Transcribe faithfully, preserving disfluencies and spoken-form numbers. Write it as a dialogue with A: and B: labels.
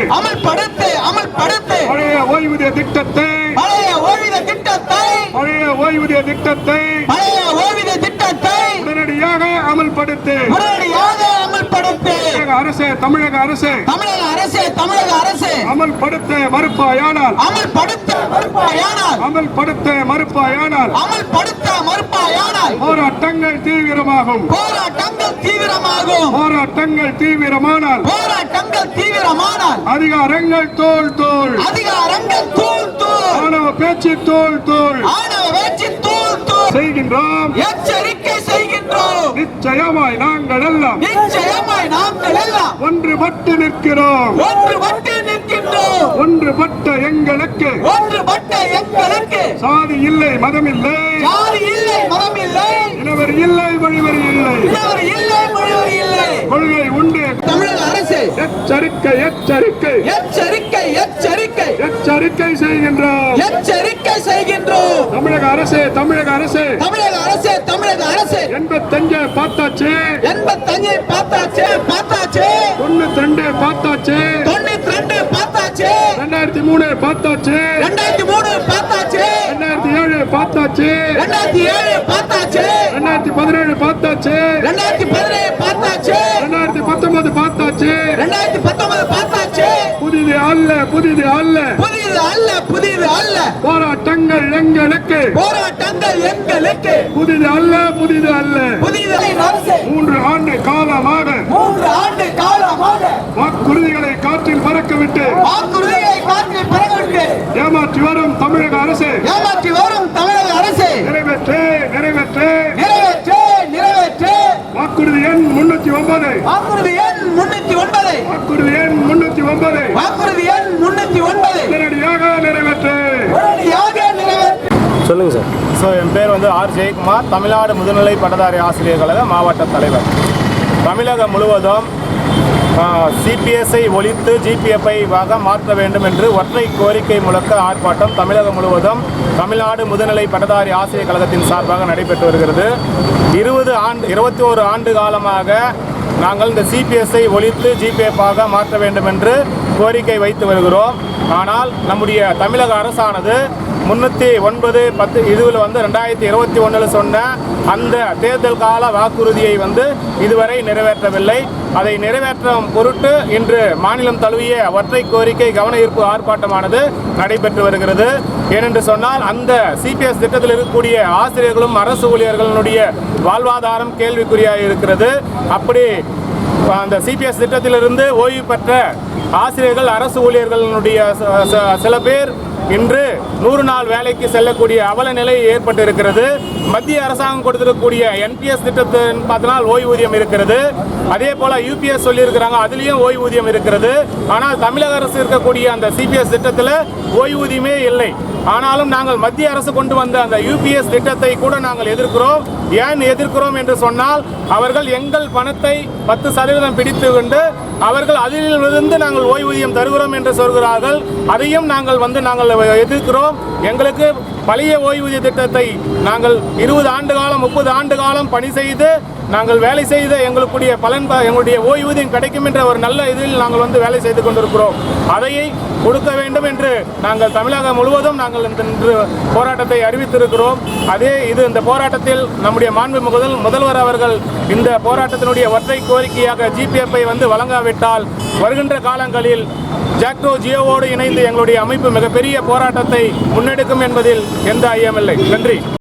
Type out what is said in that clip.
A: அமல்படுத்து அமல்படுத்து
B: பழைய ஓய்வூதிய திட்டத்தை
A: பழைய ஓய்வூதிய திட்டத்தை
B: பழைய ஓய்வூதிய திட்டத்தை
A: பழைய ஓய்வூதிய திட்டத்தை
B: உடனடியாக அமல்படுத்து
A: உடனடியாக அமல்படுத்து
B: அரசு தமிழக அரசு
A: தமிழக அரசு தமிழக அரசு
B: அமல்படுத்த மறுப்பாயானால்
A: அமல்படுத்த மறுப்பாயானால்
B: அமல்படுத்த மறுப்பாயானால்
A: அமல்படுத்த மறுப்பாயானால்
B: போராட்டங்கள் தீவிரமாகும்
A: போராட்டங்கள் தீவிரமாகும்
B: போராட்டங்கள் தீவிரமானால்
A: போராட்டங்கள் தீவிரமானால்
B: அதிகாரங்கள் தோல் தோல்
A: அதிகாரங்கள் தூள் தூள்
B: ஆணவ பேச்சு தோல் தோல்
A: ஆணவ வேட்சி தூள் தூள்
B: செய்கின்றோம்
A: எச்சரிக்கை செய்கின்றோம்
B: நிச்சயமாய் நாங்கள் எல்லாம்
A: நிச்சயமாய் நாங்கள் எல்லாம்
B: ஒன்றுபட்டு நிற்கிறோம்
A: ஒன்றுபட்டு நிற்கின்றோம்
B: ஒன்றுபட்ட எங்களுக்கு
A: ஒன்றுபட்ட எங்களுக்கு
B: சாதி இல்லை மதம் இல்லை
A: ஜாதி இல்லை மதம் இல்லை
B: இனவர் இல்லை வழிவரி இல்லை
A: இவர் இல்லை மொழிவர் இல்லை
B: கொள்கை உண்டு
A: தமிழக அரசு
B: எச்சரிக்கை எச்சரிக்கை
A: எச்சரிக்கை எச்சரிக்கை
B: எச்சரிக்கை செய்கின்றோம்
A: எச்சரிக்கை செய்கின்றோம்
B: தமிழக அரசு தமிழக அரசு
A: தமிழக அரசு தமிழக அரசு
B: எண்பத்தஞ்சு பார்த்தாச்சு
A: எண்பத்தஞ்சு பார்த்தாச்சு பார்த்தாச்சு
B: தொண்ணூத்தி ரெண்டு பார்த்தாச்சு
A: தொண்ணூத்தி ரெண்டு பார்த்தாச்சு
B: ரெண்டாயிரத்தி மூணு பார்த்தாச்சு
A: ரெண்டாயிரத்தி மூணு பார்த்தாச்சு
B: ரெண்டாயிரத்தி ஏழு பார்த்தாச்சு
A: ரெண்டாயிரத்தி ஏழு பார்த்தாச்சு
B: ரெண்டாயிரத்தி பதினேழு பார்த்தாச்சு
A: ரெண்டாயிரத்தி பதினேழு பார்த்தாச்சு
B: ரெண்டாயிரத்தி பத்தொன்பது பார்த்தாச்சு
A: ரெண்டாயிரத்தி பத்தொன்பது பார்த்தாச்சு
B: புதிது அல்ல புதிது அல்ல
A: புதிது அல்ல புதிது அல்ல
B: போராட்டங்கள் எங்களுக்கு
A: போராட்டங்கள் எங்களுக்கு
B: புதிது அல்ல புதிது அல்ல
A: புதிது அரசு
B: மூன்று ஆண்டு காலமாக
A: மூன்று ஆண்டு காலமாக
B: வாக்குறுதிகளை காற்றில் பறக்கவிட்டு
A: வாக்குறுதிகளை காற்றில் பறக்கவிட்டு
B: ஏமாற்றி வரும் தமிழக அரசு
A: ஏமாற்றி வரும் தமிழக அரசு
B: நிறைவேற்று நிறைவேற்று
A: நிறைவேற்று நிறைவேற்று
B: வாக்குறுதி எண் முன்னூத்தி ஒன்பது
A: வாக்குறுதி எண் முன்னூத்தி ஒன்பது
B: வாக்குறுதி எண் முன்னூத்தி ஒன்பது
A: வாக்குறுதி எண் முன்னூத்தி ஒன்பது
B: உடனடியாக நிறைவேற்று
A: உடனடியாக நிறைவேற்று.
C: சொல்லுங்கள் சார்.
D: ஸோ என் பேர் வந்து ஆர் ஜெயக்குமார், தமிழ்நாடு முதுநிலை பட்டதாரி ஆசிரியர் கழக மாவட்ட தலைவர். தமிழகம் முழுவதும் சிபிஎஸ்ஐ ஒழித்து ஜிபிஎஃப்ஐ வாக மாற்ற வேண்டும் என்று ஒற்றை கோரிக்கை முழக்க ஆர்ப்பாட்டம் தமிழகம் முழுவதும் தமிழ்நாடு முதுநிலை பட்டதாரி ஆசிரியர் கழகத்தின் சார்பாக நடைபெற்று வருகிறது. இருபது ஆண்டு இருபத்தி ஓரு ஆண்டு காலமாக நாங்கள் இந்த சிபிஎஸ்ஐ ஒழித்து ஜிபிஎஃப்பாக மாற்ற வேண்டும் என்று கோரிக்கை வைத்து வருகிறோம். ஆனால் நம்முடைய தமிழக அரசானது முன்னூற்றி ஒன்பது பத்து இதுவில் வந்து ரெண்டாயிரத்தி இருபத்தி ஒன்றில் சொன்ன அந்த தேர்தல் கால வாக்குறுதியை வந்து இதுவரை நிறைவேற்றவில்லை. அதை நிறைவேற்றும் பொருட்டு இன்று மாநிலம் தழுவிய ஒற்றை கோரிக்கை கவன ஈர்ப்பு ஆர்ப்பாட்டமானது நடைபெற்று வருகிறது. ஏனென்று சொன்னால் அந்த சிபிஎஸ் திட்டத்தில் இருக்கக்கூடிய ஆசிரியர்களும் அரசு ஊழியர்களுடைய வாழ்வாதாரம் கேள்விக்குறியாக இருக்கிறது. அப்படி அந்த சிபிஎஸ் திட்டத்திலிருந்து ஓய்வு பெற்ற ஆசிரியர்கள் அரசு ஊழியர்களுடைய சில பேர் இன்று நூறு நாள் வேலைக்கு செல்லக்கூடிய அவல நிலை ஏற்பட்டு இருக்கிறது. மத்திய அரசாங்கம் கொடுத்திருக்கக்கூடிய என்பிஎஸ் திட்டத்தின் பார்த்தனால் ஓய்வூதியம் இருக்கிறது. அதே போல யூபிஎஸ் சொல்லியிருக்கிறாங்க, அதுலேயும் ஓய்வூதியம் இருக்கிறது. ஆனால் தமிழக அரசு இருக்கக்கூடிய அந்த சிபிஎஸ் திட்டத்தில் ஓய்வூதியமே இல்லை. ஆனாலும் நாங்கள் மத்திய அரசு கொண்டு வந்த அந்த யூபிஎஸ் திட்டத்தை கூட நாங்கள் எதிர்க்கிறோம். ஏன் எதிர்க்கிறோம் என்று சொன்னால் அவர்கள் எங்கள் பணத்தை பத்து சதவீதம் பிடித்து கொண்டு அவர்கள் அதிலிருந்து நாங்கள் ஓய்வூதியம் தருகிறோம் என்று சொல்கிறார்கள். அதையும் நாங்கள் வந்து நாங்கள் எதிர்க்கிறோம். எங்களுக்கு பழைய ஓய்வூதிய திட்டத்தை நாங்கள் இருபது ஆண்டு காலம் முப்பது ஆண்டு காலம் பணி செய்து நாங்கள் வேலை செய்த எங்களுடைய பலன் எங்களுடைய ஓய்வூதியம் கிடைக்கும் என்ற ஒரு நல்ல இதில் நாங்கள் வந்து வேலை செய்து கொண்டிருக்கிறோம். அதையை கொடுக்க வேண்டும் என்று நாங்கள் தமிழகம் முழுவதும் நாங்கள் இன்று போராட்டத்தை அறிவித்திருக்கிறோம். அதே இது இந்த போராட்டத்தில் நம்முடைய மாண்பு முதல் முதல்வர் அவர்கள் இந்த போராட்டத்தினுடைய ஒற்றை கோரிக்கையாக ஜிபிஎஃப்ஐ வந்து வழங்காவிட்டால் வருகின்ற காலங்களில் ஜாக்டோ ஜியோவோடு இணைந்து எங்களுடைய அமைப்பு மிகப்பெரிய போராட்டத்தை முன்னெடுக்கும் என்பதில் எந்த ஐயமில்லை. நன்றி.